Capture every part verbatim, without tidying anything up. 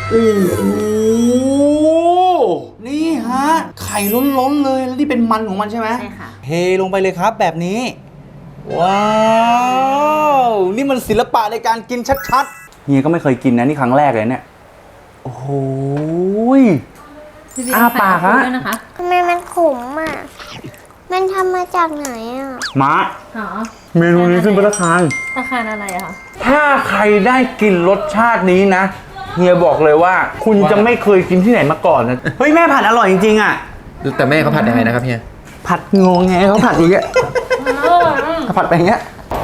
โอ้โหนี่ฮะไข่ล้นๆเลยแล้วนี่เป็นมันของมันใช่ไหมใช่ค่ะเทลงไปเลยครับแบบนี้ว้าวนี่มันศิลปะในการกินชัดๆเฮียก็ไม่เคยกินนะนี่ครั้งแรกเลยเนี่ยโอ้โหอ้าปากฮะทำไมมันขมอ่ะมันทำมาจากไหนอ่ะมาหรอเมนูนี้ขึ้นภัตตาคารภัตตาคารอะไรอะคะถ้าใครได้กินรสชาตินี้นะเฮียบอกเลยว่าคุณจะไม่เคยกินที่ไหนมาก่อนนะเฮ้ยแม่ผัดอร่อยจริงๆอ่ะแต่แม่เขาผัดยังไงนะครับเฮียผัดงงไงเขาผัดอย่างเงี้ยเขาผัดไปอย่างเงี้ย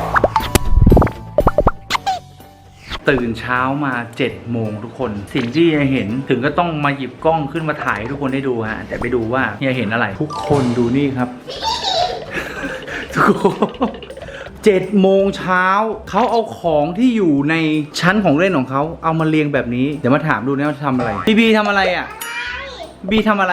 ตื่นเช้ามาเจ็ดโมงทุกคนสิ่งที่เฮียเห็นถึงก็ต้องมาหยิบกล้องขึ้นมาถ่ายให้ทุกคนได้ดูฮะแต่ไปดูว่าเฮียเห็นอะไรทุกคนดูนี่ครับทุกคนเจ็ดโมงเช้าเขาเอาของที่อยู่ในชั้นของเล่นของเขาเอามาเรียงแบบนี้เดี๋ยวมาถามดูนะว่าทำอะไรบีบีทำอะไรอ่ะบีทำอะไร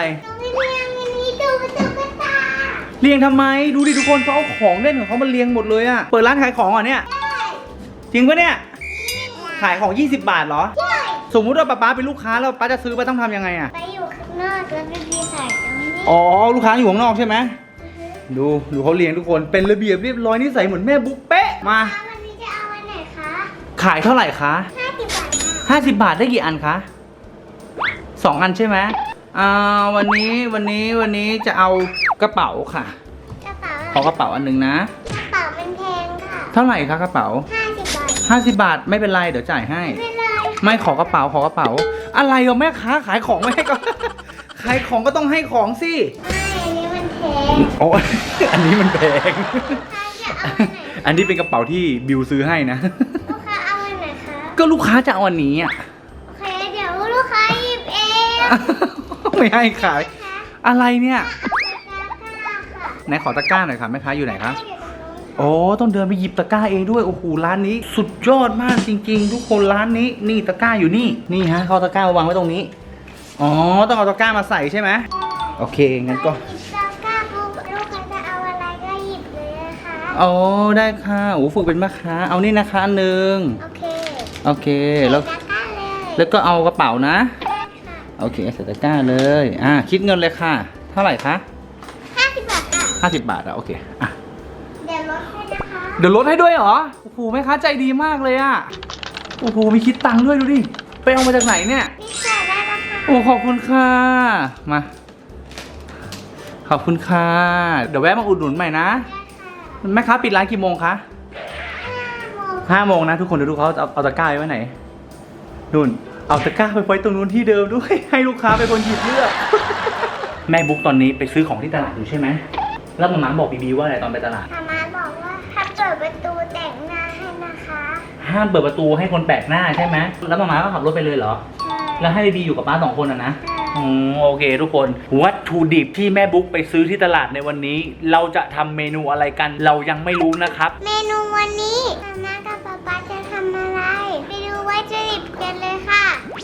เรียงทำไมดูดิทุกคนเขาเอาของเล่นของเขามาเรียงหมดเลยอ่ะเปิดร้านขายของอ่ะเนี่ยจริงปะเนี่ยขายของยี่สิบบาทเหรอใช่สมมุติว่าป๊าเป็นลูกค้าแล้วป๊าจะซื้อป๊าต้องทำยังไงอ่ะไปอยู่ข้างนอกแล้วไปดีขายตรงนี้อ๋อลูกค้าอยู่ข้างนอกใช่ไหมดูดูเขาเรียงทุกคนเป็นระเบียบเรียบร้อยนิสัยเหมือนแม่บุ๊กเป๊ะมาวันนี้จะเอาอันไหนคะขายเท่าไหร่คะห้าสิบบาทห้าสิบบาทได้กี่อันคะสองอันใช่ไหมอ่าวันนี้วันนี้วันนี้จะเอากระเป๋าค่ะกระเป๋าขอกระเป๋าอันหนึ่งนะกระเป๋าเป็นแพงค่ะเท่าไหร่คะกระเป๋าห้าสิบบาทห้าสิบบาทไม่เป็นไรเดี๋ยวจ่ายให้ไม่เป็นไรไม่ขอกระเป๋าขอกระเป๋าอะไรอ่ะแม่ค้าขายของไม่ให้ก็ขายของก็ต้องให้ของสิไม่อันนี้มันแพงโอ้อันนี้มันแพงอันนี้เป็นกระเป๋าที่บิวซื้อให้นะลูกค้าเอาอันไหนคะก็ลูกค้าจะเอาอันนี้อ่ะโอเคเดี๋ยวลูกค้าหยิบเองไม่ให้ขายอะไรเนี่ยไหนขอตะกร้าหน่อยค่ะแม่ค้าอยู่ไหนคะโอ้ต้องเดินไปหยิบตะกร้าเองด้วยโอ้โหร้านนี้สุดยอดมากจริงๆทุกคนร้านนี้นี่ตะกร้าอยู่นี่นี่ฮะเขาตะกร้าวางไว้ตรงนี้อ๋อต้องเอาตะกร้ามาใส่ใช่ไหมโอเคงั้นก็ตะกร้าปุ๊บลูกค้าจะเอาอะไรก็หยิบเลยนะคะอ๋อได้ค่ะโอ้ฝึกเป็นแม่ค้าเอานี่นะคะอันหนึ่งโอเคโอเคแล้วแล้วก็เอากระเป๋านะโอเคใส่ตะกร้าเลยอ่ะคิดเงินเลยค่ะเท่าไหร่คะห้าสิบบาทค่ะห้าสิบบาทอ่ะโอเคอ่ะเดี๋ยวลดให้นะคะเดี๋ยวลดให้ด้วยเหรอโอ้โหแม่ค้าใจดีมากเลยอ่ะโอ้โหมีคิดตังค์ด้วยดูดิไปเอามาจากไหนเนี่ยนี่ค่ะได้แล้วค่ะโอ้ขอบคุณค่ะมาขอบคุณค่ะเดี๋ยวแวะมาอุดหนุนใหม่นะแม่ค้าปิดร้านกี่โมงคะห้าโมงนะทุกคนเดี๋ยวดูเขาเอาเอาตะกร้าไว้ไหนนู่นเอาตะกร้าไปไว้ตรงนู้นที่เดิมด้วยให้ลูกค้าเป็นคนหยิบเลือกแม่บุ๊กตอนนี้ไปซื้อของที่ตลาดอยู่ใช่ไหมแล้วมาม่าบอกบีบีว่าอะไรตอนไปตลาดมาม่าบอกว่าถ้าเปิดประตูแต่งหน้าให้นะคะห้ามเปิดประตูให้คนแปลกหน้าใช่ไหมแล้วมาม่าก็ขับรถไปเลยเหรอใช่แล้วให้บีบีอยู่กับป้าสองคนอ่ะนะอืมโอเคทุกคนวัตถุดิบที่แม่บุ๊กไปซื้อที่ตลาดในวันนี้เราจะทำเมนูอะไรกันเรายังไม่รู้นะครับเมนูวันนี้มาม่ากับป๊าป๊าจะทำอะไรไปดูวัตถุดิบกันเลยค่ะ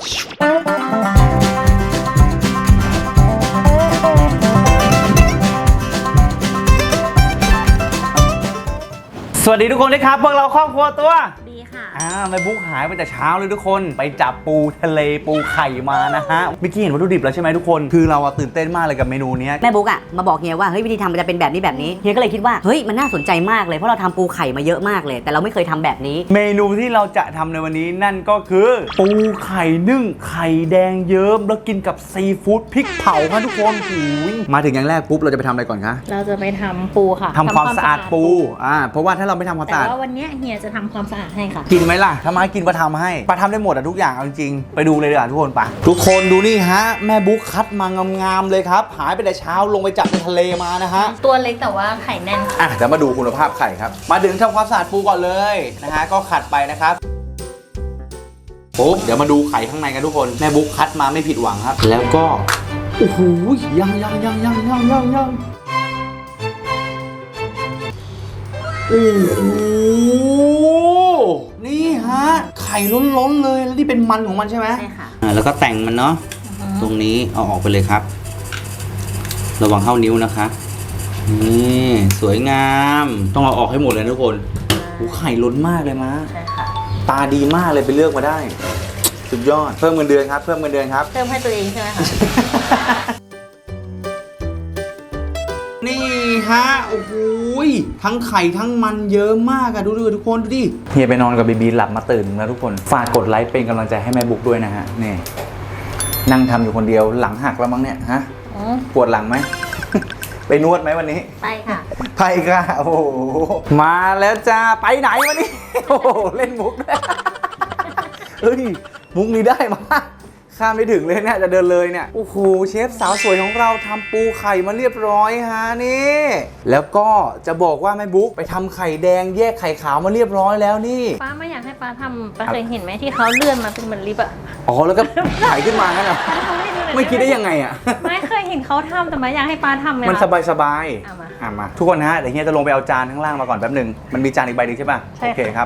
สวัสดีทุกคนด้วยครับพวกเราครอบครัวตัวดีค่ะอ่าแม่บุ๊กหายไปแต่เช้าเลยทุกคนไปจับปูทะเลปูไข่มานะฮะเมื่อกี้เห็นวัตถุดิบแล้วใช่ไหมทุกคนคือเราตื่นเต้นมากเลยกับเมนูนี้แม่บุ๊กอ่ะมาบอกเฮียว่าเฮ้ยวิธีทำมันจะเป็นแบบนี้แบบนี้เฮียก็เลยคิดว่าเฮ้ยมันน่าสนใจมากเลยเพราะเราทำปูไข่มาเยอะมากเลยแต่เราไม่เคยทำแบบนี้เมนูที่เราจะทำในวันนี้นั่นก็คือปูไข่นึ่งไข่แดงเยิ้มแล้วกินกับซีฟู้ดพริกเผาครับทุกคนมาถึงอย่างแรกปุ๊บเราจะไปทำอะไรก่อนคะเราจะไปทำปูค่ะทำความสะอาดปูอ่าเพราะว่าถ้าเราไม่ทำความสะอาดแต่ว่าวันนี้เฮียจะทำความสะอาดให้ค่ะกินไหมล่ะถ้ามากินปลาทำให้ปลาทำได้หมดอะทุกอย่างเอาจริงไปดูเลยดีกว่าทุกคนปะทุกคนดูนี่ฮะแม่บุ๊กคัดมางามๆเลยครับหายไปแต่เช้าลงไปจับในทะเลมานะฮะตัวเล็กแต่ว่าไข่แน่นอ่ะเดี๋ยวมาดูคุณภาพไข่ครับมาถึงทำความสะอาดปูก่อนเลยนะฮะก็ขัดไปนะครับปุ๊บเดี๋ยวมาดูไข่ข้างในกันทุกคนแม่บุ๊กคัดมาไม่ผิดหวังครับแล้วก็โอ้โหยังยังยังยังยังยังยังโอ้โหนี่ฮะไข่ล้นๆเลยแล้วนี่เป็นมันของมันใช่ไหมใช่ค่ะอ่าแล้วก็แต่งมันเนาะตรงนี้เอาออกไปเลยครับระวังเข้านิ้วนะคะนี่สวยงามต้องเอาออกให้หมดเลยทุกคนโอ้ไข่ล้นมากเลยมะใช่ค่ะตาดีมากเลยไปเลือกมาได้สุดยอดเพิ่มเงินเดือนครับเพิ่มเงินเดือนครับเติมให้ตัวเองใช่ไหมคะนี่ฮะโอ้โหทั้งไข่ทั้งมันเยอะมากอะดูดูทุกคนดูดิเฮียไปนอนกับบีบีหลับมาตื่นแล้วทุกคนฝากกดไลค์เป็นกำลังใจให้แม่บุ๊กด้วยนะฮะนี่นั่งทำอยู่คนเดียวหลังหักแล้วมั้งเนี่ยฮะอืมปวดหลังไหม ไปนวดไหมวันนี้ไปค่ะไปค่ะโอ้โหมาแล้วจ้าไปไหนวันนี้ โอ้โหเล่นมุกด้วย เฮ้ยมุกนี้ได้มาข้ามไม่ถึงเลยเนี่ยจะเดินเลยเนี่ยโอ้โหเชฟสาวสวยของเราทำปูไข่มาเรียบร้อยฮะนี่แล้วก็จะบอกว่าแม่บุ๊กไปทำไข่แดงแยกไข่ขาวมาเรียบร้อยแล้วนี่ป้าไม่อยากให้ป้าทำป้าเคยเห็นไหมที่เขาเลื่อนมาเป็นเหมือนลิฟต์อะอ๋อแล้วก็ถ่ายขึ้นมางั้นเหรอป้าทำให้ดูหน่อยไม่คิดได้ยังไงอ่ะไม่เคยเห็นเขาทำแต่ไม่อยากให้ป้าทำเลยมันสบายสบายๆเอามาอ่ะมาทุกคนฮะเดี๋ยวเฮียจะลงไปเอาจานข้างล่างมาก่อนแป๊บหนึ่งมันมีจานอีกใบหนึงใช่ป่ะใช่โอเคครับ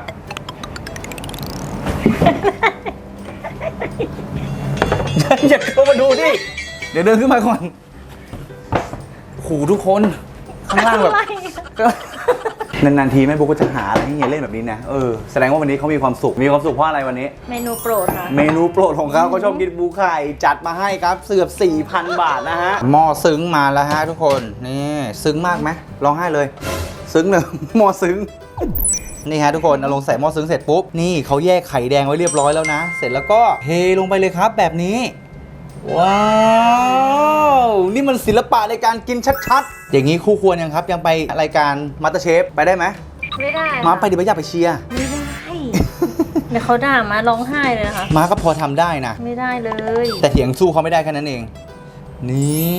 อย่าเข้ามาดูดิ เดี๋ยวเดินขึ้นมาก่อนโอ้โหทุกคน ข้างล่างแบบ นานๆทีแม่บุ๊กก็จะหาอะไรให้เฮียเล่นแบบนี้นะ เออ แสดงว่าวันนี้เขามีความสุข มีความสุขเพราะอะไรวันนี้เมนูโปรดค่ะเมนูโปรดของเขาเขาชอบกินปูไข่จัดมาให้ครับเสือบ สี่พัน บาทนะฮะ หม้อซึ้งมาแล้วฮะทุกคน นี่ ซึ้งมากไหมร้องไห้เลย ซึ้งเลย หม้อซึ้ง นี่ฮะทุกคนเอาลงใส่หม้อซึ้งเสร็จปุ๊บ นี่เขาแยกไข่แดงไว้เรียบร้อยแล้วนะ เสร็จแล้วก็เทลงไปเลยครับแบบนี้ ว้าว นี่มันศิลปะในการกินชัดๆ อย่างนี้คู่ควรยังครับ ยังไปรายการมาสเตอร์เชฟไปได้ไหมไม่ได้มาค่ะไปดิบอยากไปเชียร์ไม่ได้ เดี๋ยวเขาด่ามาร้องไห้เลยนะคะมาก็พอทำได้นะไม่ได้เลยแต่เถียงสู้เขาไม่ได้แค่นั้นเอง นี่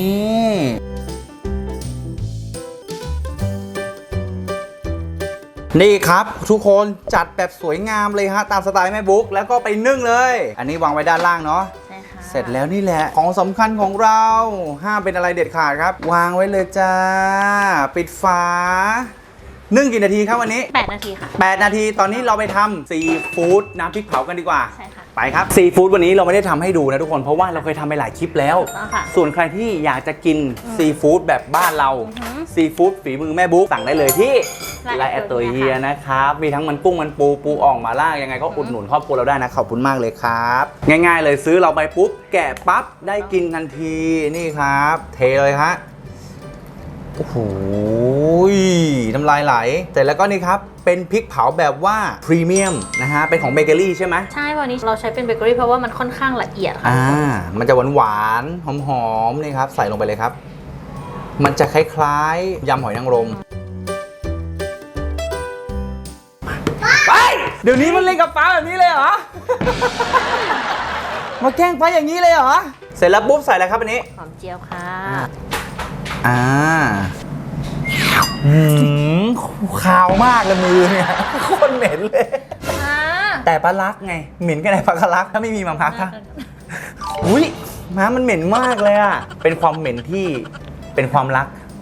นี่ครับทุกคนจัดแบบสวยงามเลยฮะตามสไตล์แม่บุ๊กแล้วก็ไปนึ่งเลย อันนี้วางไว้ด้านล่างเนาะใช่ค่ะเสร็จแล้วนี่แหละของสำคัญของเราห้ามเป็นอะไรเด็ดขาดครับ วางไว้เลยจ้า ปิดฝานึ่งกี่นาทีครับวันนี้แปดนาทีค่ะแปดนาทีตอนนี้เราไปทำซีฟู้ดน้ำพริกเผากันดีกว่าใช่ค่ะไปครับซีฟู้ดวันนี้เราไม่ได้ทำให้ดูนะทุกคนเพราะว่าเราเคยทำไปหลายคลิปแล้วถูกต้องค่ะส่วนใครที่อยากจะกินซีฟู้ดแบบบ้านเราอือหือซีฟู้ดฝีมือแม่บุ๊กสั่งได้เลยที่ไลน์ไลน์แอดตัวเฮียนะครับมีทั้งมันกุ้งมันปูปูอ่องมาล่ายังไงก็อุดหนุนครอบครัวเราได้นะขอบคุณมากเลยครับ ง่ายๆเลยซื้อเราไปปุ๊บแกะปั๊บได้กินทันทีนี่ครับ เทเลยฮะโอ้โหน้ำลายไหลเสร็จแล้วก็นี่ครับเป็นพริกเผาแบบว่าพรีเมียมนะฮะเป็นของเบเกอรี่ใช่ไหมใช่วันนี้เราใช้เป็นเบเกอรี่เพราะว่ามันค่อนข้างละเอียดค่ะอ่ามันจะหวานหวานๆหอมๆนี่ครับใส่ลงไปเลยครับ มันจะคล้ายๆยำหอยนางรมไปเดี๋ยวนี้มันเล่นกับฟ้าแบบนี้เลยเหรอ มาแกล้งฟ้าอย่างนี้เลยเหรอเสร็จแล้วปุ๊บใส่อะไรครับอันนี้หอมเจียวค่ะอ่าหืมขาวมากเลยมือเนี่ยโคตรเหม็นเลยอ่าแต่ปลาลักไงเหม็นแค่ไหนปลาลักถ้าไม่มีมาพักค่ะอุ้ยม้ามันเหม็นมากเลยอ่ะเป็นความเหม็นที่เป็นความรัก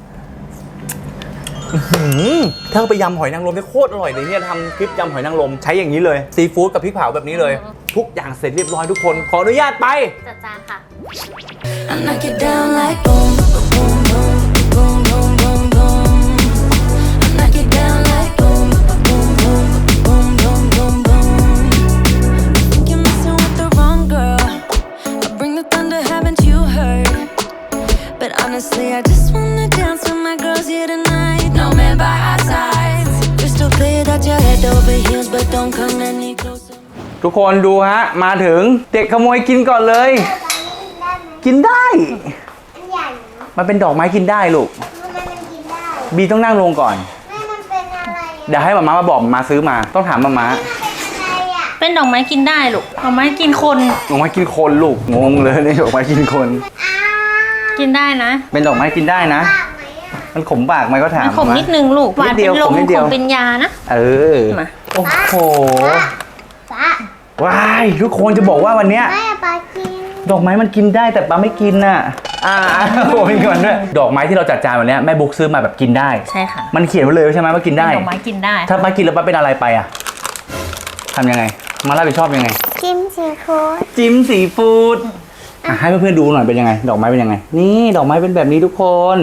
อื้อหือถ้าเอาไปยำหอยนางรมได้โคตรอร่อยเลยเนี่ยทำคลิปยำหอยนางรมใช้อย่างนี้เลยซีฟู้ดกับพริกเผาแบบนี้เลย ทุกอย่างเสร็จเรียบร้อยทุกคนขออนุญาตไปจัดจานค่ะ I knock it down like boom, boom, boom, boom, boom, boom, boom. I knock it down like boom, boom, boom, boom, boom, boom, boom. Think you're messing with the wrong girl. I bring the thunder, haven't you heard? But honestly, I just wanna dance with my girls here tonight. No man by our sides. Crystal clear that you're head over heels, but don't come any closer. ทุกคนดูฮะมาถึงเด็กขโมยกินก่อนเลย กินได้อันใหญ่เนอะมันเป็นดอกไม้กินได้ลูกทำไมมันกินได้บีต้องนั่งลงก่อนแม่มันเป็นอะไรอะเดี๋ยวให้มาม่ามาบอกมาซื้อมาต้องถามมาม่ามันเป็นอะไรอ่ะเป็นดอกไม้กินได้ลูกดอกไม้กินคนดอกไม้กินคนลูกงงเลยนี่ดอกไม้กินคนอ้าวกินได้นะเป็นดอกไม้กินได้นะปากไหมอ่ะมันขมปากไหมก็ถามมันขมนิดนึงลูกหวานนิดเดีเป็ยวนลมขมนิดเดีขยวมเป็นยานะเออมาโอ้โหป้าว้ายทุกคนจะบอกว่าวันเนี้ยแม่ป้ากินดอกไม้มันกินได้แต่ป้าไม่กินน่ะอ่าโอ้เป็นก่อนด้วยดอกไม้ที่เราจัดจานวันเนี้ยแม่บุ๊กซื้อมาแบบกินได้ใช่ค่ะมันเขียนไว้เลยใช่ไหมว่ากินได้เป็นดอกไม้กินได้ถ้าป้ากินแล้วป้าเป็นอะไรไปอ่ะทำยังไงมารับผิดชอบยังไงจิ้มซีฟู้ดจิ้มสีฟู้ดอ่ะให้เพื่อนๆดูหน่อยเป็นยังไง ดอกไม้เป็นยังไง นี่ดอกไม้เป็นแบบนี้ทุกคน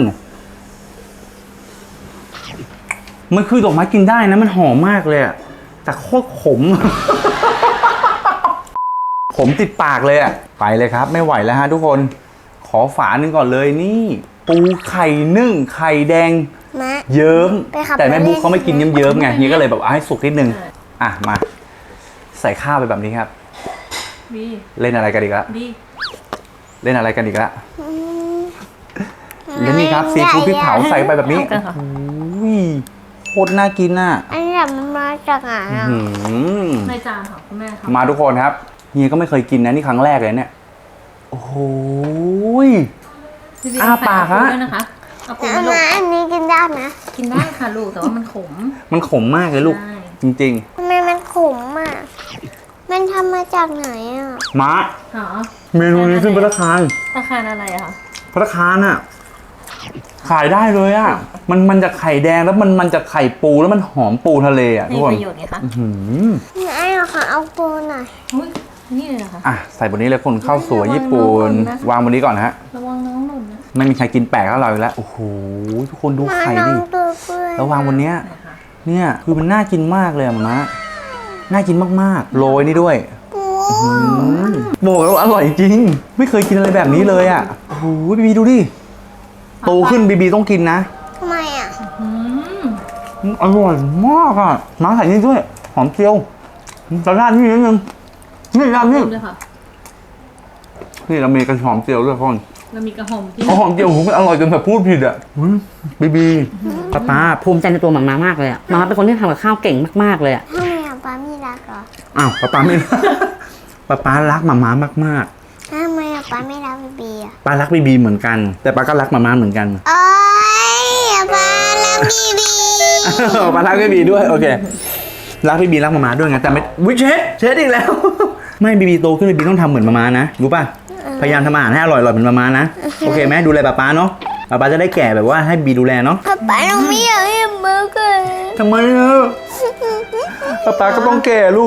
มันคือดอกไม้กินได้นะมันหอมมากเลยอะแต่โคตรขมผมติดปากเลยอ่ะไปเลยครับไม่ไหวแล้วฮะทุกคนขอฝาหนึ่งก่อนเลยนี่ปูไข่นึ่งไข่แดงมาเยิ้มไปขับแต่แม่บุ๊กรถเล่นเขาไม่กินเยิ้มๆไงเฮียก็เลยแบบเอาให้สุกนิดนึงอ่ะมาใส่ข้าวไปแบบนี้ครับบีเล่นอะไรกันอีกละบีเล่นอะไรกันอีกละอืมแล้วนี่ครับซีฟู้ดพริกเผาใส่ไปแบบนี้เอากันค่ะอุ้ยโคตรน่ากินน่ะอันนี้มันมาจากไหนอ่ะหืมในจานของคุณแม่ค่ะมาทุกคนครับเฮียก็ไม่เคยกินนะนี่ครั้งแรกเลยเนี่ยโอ้โหยพี่บีอ้าปากฮะเอปูด้วยนะคะเอาปูอัไหมลูกนนี้กินได้ไหมกินได้ค่ะลูกแต่ว่ามันขมมันขมมากเลยลูกใช่จริงทำไมมันขมอ่ะ มันทำมาจากไหนอ่ะๆมาหรอเมนูนี้ขึ้นภัตตาคารราคาอะไรอะคะภัตตาคารน่ะขายได้เลยอ่ะมันมันจะไข่แดงแล้วมันมันจะไข่ปูแล้วมันหอมปูทะเลอ่ะทุมีกคนประโยชน์ไงคะอื้อหือไอ้เหรอคะเอาปูหน่อยอุ้ยนี่เลยเหรอคะอ่ะใส่บนนี้เลยคนข้าวสวยญี่ปุ่นระวังน้องหล่นนะวางบนนี้ก่อนฮะระวังน้องหล่นนะไม่มีใครกินแปลกเท่าเราอีกแล้วโอ้โหทุกคนดูมาไข่น้อดิงตัวเปื่อยแล้ววางบนเนี้ยนะคะเนี่ยคือมันน่ากินมากเลยอะมะน่ากินมากๆโรยนี่ด้วยปูอืมบอกแล้ววาอร่อยจริง ไม่เคยกินอะไรแบบนี้เลยอ่ะโอ้โหบีบีดูดิโตขึ้นบีบีต้องกินนะทำไมอ่ะอืมอร่อยมากอ่ะมาใส่นี่ด้วยหอมเจียวจะราดนี่นิดนึงนี่ราดนี่ขอบคุณด้วยค่ะนี่เรามีกระหอมเจียวด้วยพ่อนเรามีกระหอมที่เอาหอมเจียวผมมันอร่อยจนแบบพูดผิดอ่ะอุ๊ยบีบีป้าป้าภูมิใจในตัวหมาม้ามากเลยอะหมาม้าเป็นคนที่ทำกับข้าวเก่งมากๆเลยอะทำไมอ่ะป้าไม่รักเหรออ้าวป๊าป๊าไม่ ป๊าป๊ารักหมาม้ามากทำไมอ่ะป้าไม่รักบีบีอ่ะๆป้ารักบีบีเหมือนกัน แต่ป้าก็รักหมาม้าเหมือนกันโอ๊ยป้ารักบีบีป้ารักบีบีด้วยโอเครักบีบีรักหมาม้าด้วยไงแต่ไม่วิเชดเชดอีกแล้ว ไม่บีบีโตขึ้นบีบีต้องทำเหมือนหมาม้านะรู้ป่ะพยายามทำอาหารให้อร่อยๆเหมือนหมาม้านะโอเคไหมดูแลป้าป๊าเนาะป้าป๊าจะได้แก่แบบว่าให้บีดูแลเนาะป้าป้าหนูไม่อยากให้เบอร์เกอร์ทำไมอ่ะป้าป๊าก็ต้องแก่ลูก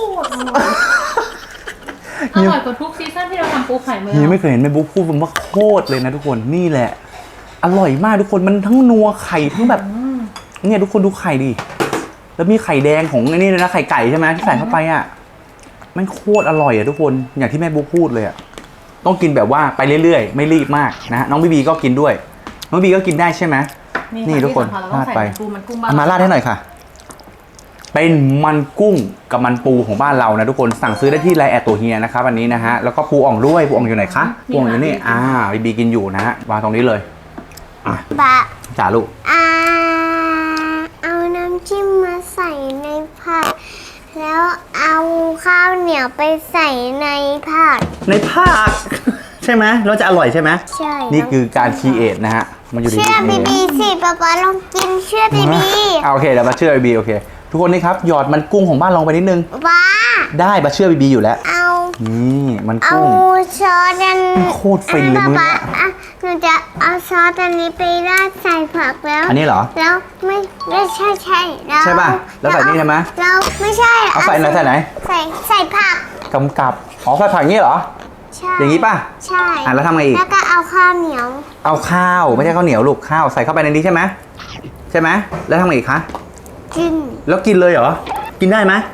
อร่อยกว่าทุกซีซั่นที่เราทำปูไข่มาเฮียไม่เคยเห็นแม่บุ๊กพูดว่าโคตรเลยนะทุกคนนี่แหละ อร่อยมากทุกคนมันทั้งนัวไข่ทั้งแบบเนี่ยทุกคนดูไข่ดิแล้วมีไข่แดงของไอ้นี่เลยนะไข่ไก่ใช่ไหมที่ใส่เข้าไปอ่ะมันโคตรอร่อยอ่ะทุกคนอย่างที่แม่บุ๊กพูดเลยอ่ะต้องกินแบบว่าไปเรื่อยๆไม่รีบมากนะฮะน้องบีบีก็กินด้วยน้องบีก็กินได้ใช่ไหม นี่ทุกคนที่สำญเราราดต้องไปใส่ปูมันกุ้งบ้างเอามาราดให้หน่อยค่ะ เป็นมันกุ้งกับมันปูของบ้านเรานะทุกคนสั่งซื้อได้ที่ไลน์แอดตัวเฮียนะครับวันนี้นะฮะแล้วก็ปูอ่องด้วยปูอ่องอยู่ไหนคะปูอ่องอยู่นี่อ่าบีบีกินอยู่นะฮะวางตรงนี้เลยอ่ะป้าจ่าลูกอ่าเอาน้ำจิ้มมาใส่ในผักแล้วเอาข้าวเหนียวไปใส่ในผักในภาค ใช่ไหมเราจะอร่อยใช่ไหมใช่นี่คือการคีเอทนะฮะมันอยู่ในเชื่อบีบีสิป้าป้าลองกินเชื่อบีบีอ่าโอเคเดี๋ยวมาเชื่อบีบีโอเคทุกคนนี่ครับหยอดมันกุ้งของบ้านลงไปนิดนึงป้าได้มาเชื่อบีบีอยู่แล้วเอานี่มันเอากุ้งช้อนอันโคตรฟินเลยอ่ะมื้อป้าเนี้ยอ่ะหนูจะเอาซอสอันนี้ไปราดใส่ผักแล้วอันนี้เหรอแล้วไม่ไม่ใช่ใช่แล้วใช่ป่ะแล้วใส่นี่ใช่ไหมแล้วไม่ใช่เอาใส่ไหนใส่ไหนใส่ใส่ผักกำกับอ๋อใส่ผักอย่างนี้เหรอใช่อย่างนี้ป่ะใช่อ่ะแล้วทำไงอีกแล้วก็เอาข้าวเหนียวเอาข้าวไม่ใช่ข้าวเหนียวลูกข้าวใส่เข้าไปในนี้ใช่ไหมใช่ไหมแล้วทำไงอีกคะกินแล้วกินเลยเหรอกินได้ไหม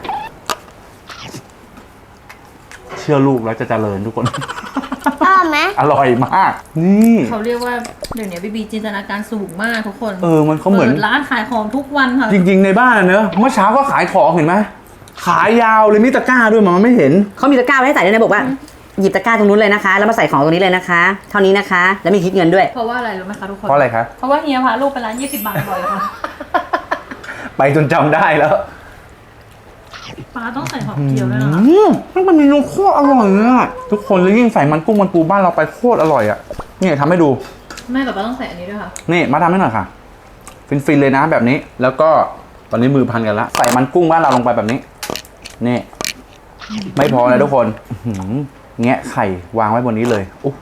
เชื่อลูกแล้วจะเจริญทุกคนอร่อยไหมอร่อยมาก นี่เขาเรียกว่าเดี๋ยวนี้บีบีจินตนาการสูงมากทุกคนเออมันเขาเหมือนปิดร้านขายของทุกวันค่ะจริงๆในบ้านอะเนอะเมื่อเช้าก็ขายของเห็นไหมขายยาวเลยมีตะกร้าด้วยมันไม่เห็นเขามีตะกร้าไว้ให้ใส่ด้วยนะบอกว่าหยิบตะกร้าตรงนู้นเลยนะคะ แล้วมาใส่ของตรงนี้เลยนะคะ เท่านี้นะคะ แล้วมีคิดเงินด้วยเพราะว่าอะไรรู้ไหมคะทุกคนเพราะอะไรคะเพราะว่าเฮียพาลูกไปร้านยี่สิบบาทบ่อยค่ะไปจนจำได้แล้วปลาต้องใส่หอมเจียวด้วยนะคะอืมมันมีนมโคตรอร่อยเลยอะทุกคนแล้วยิ่งใส่มันกุ้งมันปูบ้านเราไปโคตรอร่อยอะนี่ทำให้ดูแม่กับป้าต้องใส่อันนี้ด้วยค่ะนี่มาทำให้หน่อยค่ะ ฟินๆเลยนะแบบนี้ แล้วก็ตอนนี้มือพันกันละใส่มันกุ้งบ้านเราลงไปแบบนี้ นี่ ไม่พอนะทุกคนอื้อหือแงะไข่วางไว้บนนี้เลยโอ้โห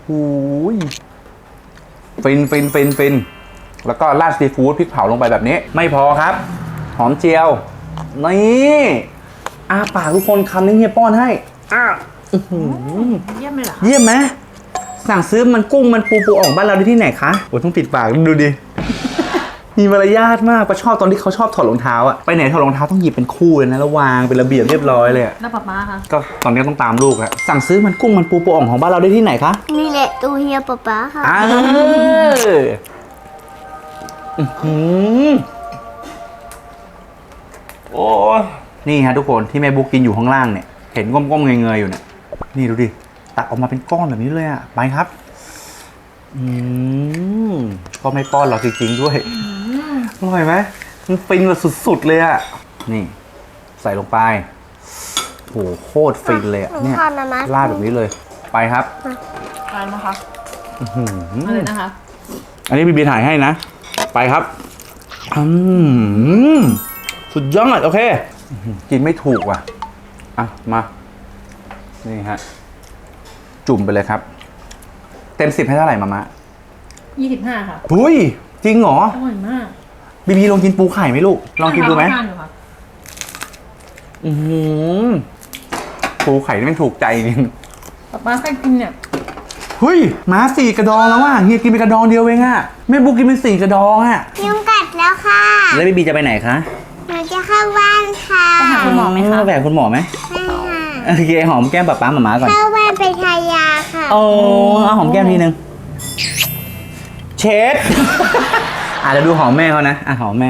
ฟินฟินฟินฟินแล้วก็ราดซีฟู้ดพริกเผาลงไปแบบนี้ ไม่พอครับ หอมเจียวนี่อาปากทุกคนคำนี้เฮียป้อนให้อ้าอื้อหือเยี่ยมเลยเหรอคะเยี่ยมไหมสั่งซื้อมันกุ้งมันปูปูอ่องบ้านเราได้ที่ไหนคะโอ้ต้องปิดปากดูดิมีมารยาทมากปะชอบตอนที่เขาชอบถอดรองเท้าอะไปไหนถอดรองเท้าต้องหยิบเป็นคู่เลยนะแล้ววางเป็นระเบียบเรียบร้อยเลยอะแล้วป๊าป๊าคะก็ตอนนี้ต้องตามลูกอะสั่งซื้อมันกุ้งมันปูปูอ่องของบ้านเราได้ที่ไหนคะนี่แหละตัวเฮียป๊าป๊าค่ะอ้าวอื้อหือโอ้ยนี่ฮะทุกคนที่แม่บุ๊กกินอยู่ข้างล่างเนี่ยเห็นก้มๆเงยๆอยู่เนี่ยนี่ดูดิตักออกมาเป็นก้อนแบบนี้เลยอะไปครับอืมก็ไม่ป้อนเราจริงๆด้วยอร่อยไหมมันฟินแบบสุดๆเลยอะนี่ ใส่ลงไปโหโคตรฟินเลยอะเนี่ยทอดมามาราดแบบนี้เลยไปครับอะไรนะคะอื้อหืออะไรนะคะอันนี้บีบีถ่ายให้นะ ไปครับอืมสุดยอดโอเคอื้อหือกินไม่ถูกว่ะอ่ะมานี่ฮะจุ่มไปเลยครับ เต็มสิบให้เท่าไหร่มามะยี่สิบห้าค่ะหุ้ยจริงเหรออร่อยมากบีบีลองกินปูไข่ไหมลูกลองกินดูไหมทานอยู่ค่ะอือหือปูไข่นี่มันถูกใจจริงป๊าป๊าใครกินเนี่ยเฮ้ยหมาสี่กระดองแล้วว่ะเฮียกินเป็นกระดองเดียวเองอะแม่บุ๊กกินเป็นสี่กระดองอะยุงกัดแล้วค่ะแล้วบีบีจะไปไหนคะหนูจะเข้าบ้านค่ะไปหาคุณหมอไหมคะแหวกคุณหมอไหมไม่ค่ะโอเคหอมแก้มป๊าป๊าหมาม้าก่อนเข้าบ้านไปทายาค่ะโอ้เอาหอมแก้มทีนึงเช็ด อาจจะเดี๋ยวดูหอมแม่เขานะอ่ะหอมแม่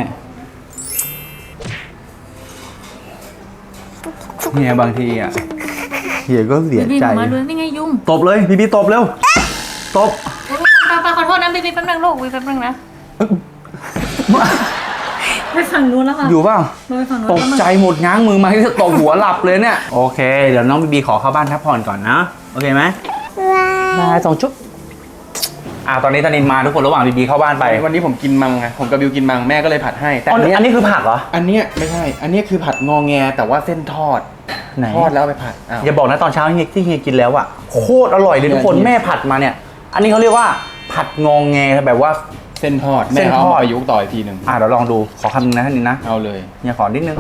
เฮียบางทีอ่ะเฮียก็เสียบีใจมาดูนี่ไงยุ่งตบเลยบีบีตบเร็วตบป๊าป๊าขอโทษนะบีบีแป๊บนึงลูกบีบีแป๊บนึงนะไปฝั่งนู้นแล้วค่ะอยู่เปล่าเราไปฝั่งนู้นตกใจหมดง้างมือมาที่จะตบหัวหลับเลยเนี่ย โอเค เดี๋ยวน้องบีบีขอเข้าบ้านพักผ่อนก่อนนะ โอเคไหมว้ามาสองชุบอ่าตอนนี้ตอนนี้มาทุกคนระหว่างบีบีเข้าบ้านไปวันนี้ผมกินมังไงผมกับบิวกินมังแม่ก็เลยผัดให้ แต่อ๋ออันเนี้ยอันนี้คือผักเหรออันเนี้ยไม่ใช่ อันเนี้ยคือผัดงอแงแต่ว่าเส้นทอดไหนทอดแล้วเอาไปผัดอ้าวอย่าบอกนะตอนเช้าเฮียที่เฮียกินแล้วอะโคตรอร่อยเลยทุกคนเฮียแม่ผัดมาเนี่ย อันนี้เขาเรียกว่าผัดงองแงแบบว่าเส้นทอดเส้แม่นเขาทอดเอามาประยุกต์ต่ออีกทีหนึ่งอ่ะเดี๋ยวลองดูขอคำนึงนะท่านนี้นะเอาเลยเฮียขอนิดนึง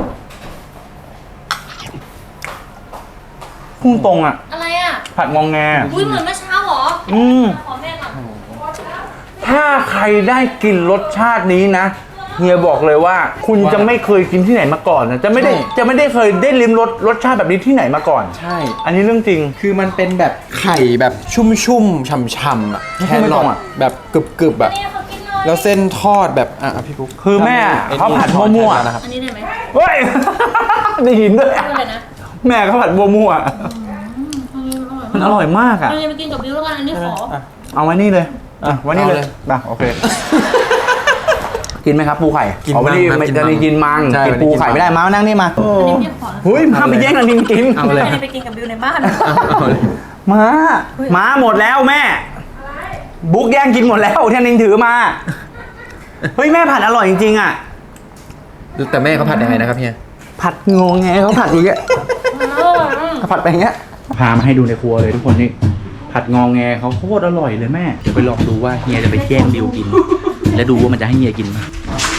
พุ่งตรงอะอะไรอ่ะผัดงองแงอุ้ยเหมือนเมื่อเช้าเหรออืมขอแม่ก่อนถ้าใครได้กินรสชาตินี้นะเฮียบอกเลยว่า คุณจะไม่เคยกินที่ไหนมาก่อนนะจะไม่ได้จะไม่ได้เคยได้ลิ้มรสรสชาติแบบนี้ที่ไหนมาก่อนใช่อันนี้เรื่องจริงคือมันเป็นแบบไข่แบบชุ่มๆฉ่ำๆอ่ะไม่แค่ไม่รตรองอะแบบกรึบๆอ่ะนี่เขากินเลยแล้วเส้นทอดแบบอ่ะอ่ะพี่ปุ๊กคือแม่เขาผัดมั่วๆนะครับอันนี้ได้ไหมเฮ้ย ได้ยินด้วยพูดเลยนะแม่เขาผัดบัวมั่วมันอร่อยมากอ่ะเราจะไปกินกับบิวแล้วกันอันนี้ขอเอาไว้นี่เลยอ่ะไว้นี่เลยอ่ะโอเค กินไหมครับปูไข่กินเอาไว้นี่มังไม่กินจะมังได้กินมังใช่กินวันนี้ปูกินไข่มังไม่ได้มามานั่งนี่มาอันนี้พี่ขอนะเฮ้ยห้ามไปแย่งกันนินกินเอาเลยอันนี้ไปกินกับบิวในบ้านเอาเลยมามาหมดแล้วแม่ บุ๊กแย่งกินหมดแล้วที่นินถือมา เฮ้ยแม่ผัดอร่อยจริงๆอ่ะแต่แม่เขาผัดยังไงนะครับเฮียผัดงงไงเขาผัดอย่างเงี้ยผัดไปอย่างเงี้ย พามาให้ดูในครัวเลยทุกคนนี่ ผัดงองแงเขาโคตรอร่อยเลยแม่ เดี๋ยวไปลองดูว่าเฮียจะไปแย่งบิวกิน แล้วดูว่ามันจะให้เฮียกินไหม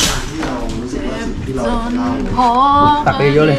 ตักไปเยอะเลย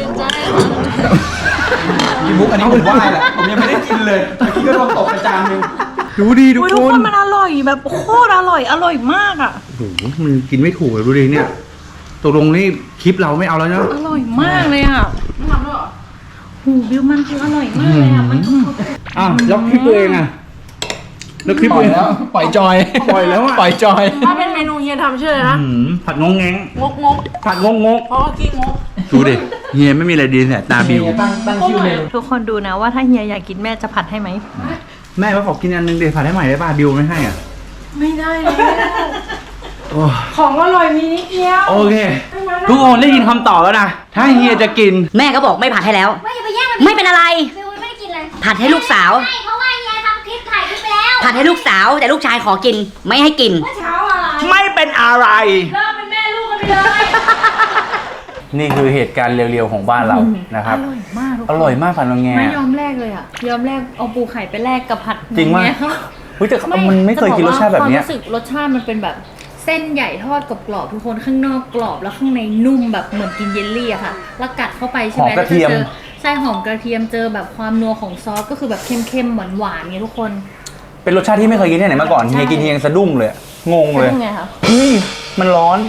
พี่บุ๊กอันนี้ผมว่าแหละผมยังไม่ได้กินเลยเมื่อกี้ก็โดนตกไปจานนึงดูดีทุกอุ้ยคทุกนคนมันอร่อยแบบโคตรอร่อยอร่อยมากอ่ะโอ้โหมันกินไม่ถูกเลยดูดิเนี่ยตกลงนี่คลิปเราไม่เอาแล้วนะอร่อยมากเลยอ่ะไม่ทำด้วยหรอหูบิวมันคืออร่อยมากเลยอ่ะมันคืออ้าวแล้วคลิปตัวเองอะแล้วคลิปปล่ตัอวย เองแล้วปล่อยจอยปล่อยแล้วอะปล่อยจอยถ้าเป็นเมนูเฮียทำชื่ออะไรนะอืมผัดงงแงงงกงกผัดงงงกเพราะว่ากี้งกดูดิเฮียไม่มีอะไรดีแต่ตาบิวตั้งตั้งชื่อเมนูทุกคนดูนะว่าถ้าเฮียอยากกินแม่จะผัดให้ไหมแม่มาขอกินอันนึงเดี๋ยวผัดให้ใหม่ได้ป่ะบิวไม่ให้อ่ะไม่ได้เลยโอ้ของอร่อยมีนิดเดียวโอเค ทุกคนได้ยินคำตอบแล้วนะ ถ้าเฮียจะกินแม่ก็บอกไม่ผัดให้แล้วไม่อย่าไปแย่งมันไม่เป็นอะไรบิวไม่ได้กินเลยผัดให้ลูกสาวใช่เพราะว่าเฮียทำคลิปถ่ายคลิปไปแล้วผัดให้ลูกสาวแต่ลูกชายขอกิน ไม่ให้กินเช้าอะไรไม่เป็นอะไรเลิกเป็นแม่ลูกกันไปเลยนี่คือเหตุการณ์เร็วๆของบ้านเรานะครับอร่อยมากทุกคนอร่อยมากผัดงงแงไม่ยอมแลกเลยอ่ะ ยอมแลกเอาปูไข่ไปแลกกับผัดจริงว่าอย่เยเฮ้ยแต่มันไม่เคยกินรสชาติแบบเนี้ยความรู้สึกรสชาติมันเป็นแบบเส้นใหญ่ทอดกรอบๆทุกคนข้างนอกกรอบแล้วข้างในนุ่มแบบเหมือนกินเยลลี่อะค่ะ แล้วกัดเข้าไปใช่ไหมหอมกระเทียมแล้วจอใช่หอมกระเทียมเจอแบบความนัวของซอสก็คือแบบเข้มๆหวานๆเงี้ยทุกคนเป็นรสชาติที่ไม่เคยกินที่ไหนมาก่อนเฮียกินเฮียยังสะดุ้งเลย งงเลยเป็นไงคะเฮ้ยมันร้อน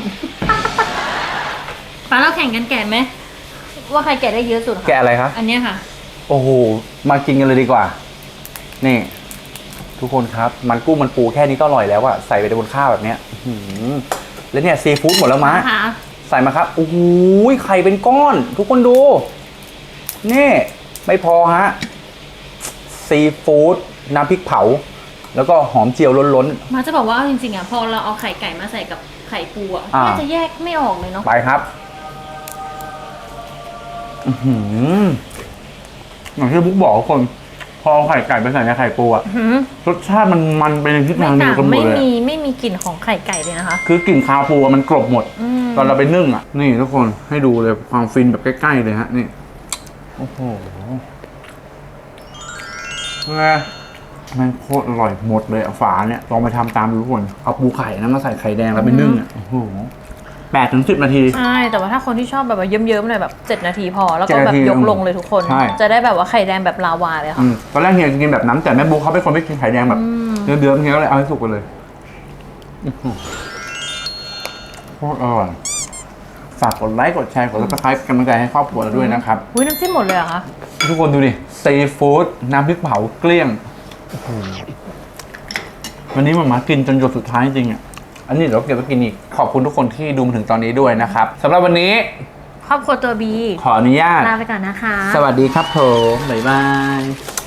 ป้าเราแข่งกันแกะไหมว่าใครแกะได้เยอะสุดค่แกะอะไรครับอันเนี้ยค่ะโอ้โห มากินกันเลยดีกว่า นี่ ทุกคนครับ มันกุ้งมันปูแค่นี้ก็อร่อยแล้วอะใส่ไปในบนข้าวแบบเนี้ยอื้อหือแล้วเนี่ยซีฟู้ดหมดแล้วมะค่ะใส่มาครับ โอ้โห ไข่เป็นก้อน ทุกคนดู นี่ ไม่พอฮะ ซีฟู้ดน้ำพริกเผา แล้วก็หอมเจียวล้นมาจะบอกว่าเอาจริงๆอ่ะพอเราเอาไข่ไก่มาใส่กับไข่ปูอ่ะอ่าน่าจะแยกไม่ออกเลยเนาะๆ ไปครับ อือหืออย่างที่บุ๊กบอกทุกคน พอเอาไข่ไก่ไปใส่ในไข่ปูอะหืมรสชาติมันมันไปในทิศไม่ทางเดีต่ายวงกันหมไม่ดเลยมีอะไม่มีกลิ่นของไข่ไก่เลยนะคะคือกลิ่นคาวปูอะมันกลบหมดอืมตอนเราไปนึ่งอ่ะ นี่ทุกคนให้ดูเลยความฟินแบบใกล้ๆเลยฮะ นี่ โอ้โหไงมันโคตรอร่อยหมดเลยอะฝาเนี่ยลองไปทำตามดูทุกคน เอาปูไข่นะมาใส่ไข่แดงแล้วไปนึ่งอ่ะ โอ้โหแปดถึงสิบนาทีใช่แต่ว่าถ้าคนที่ชอบแบบว่าเยิ้มๆหน่อยแบบเจ็ดนาทีพอแล้วก็เจ็ดแบนาบทียกลงเลยทุกคนใช่จะได้แบบว่าไข่แดงแบบลาวาเลยอืค่ะมตอนแรกเฮียจะกินแบบน้ำแต่แม่บุ๊กเขาเป็นคนไม่กินไข่แดงแบบอืมเดือดๆเฮียก็เลยเอาให้สุกไปเลยอื้อหือโคตรอร่อยฝากกดไลค์กดแชร์กดซับสไครป์กำลังใจให้ครอบครัวเราด้วยนะครับอุ้ยน้ำจิ้มหมดเลยเหรอคะทุกคนดูดิซีฟู้ดน้ำพริกเผาเกลี้ยงโอ้โหวันนี้มามากินจนหยดสุดท้ายจริงๆอ่ะ อันนี้เดี๋ยวเราเก็บไปกินอีก ขอบคุณทุกคนที่ดูมาถึงตอนนี้ด้วยนะครับสำหรับวันนี้ครอบครัวตัวบีขออนุญาตลาไปก่อนนะคะสวัสดีครับผม บ๊ายบาย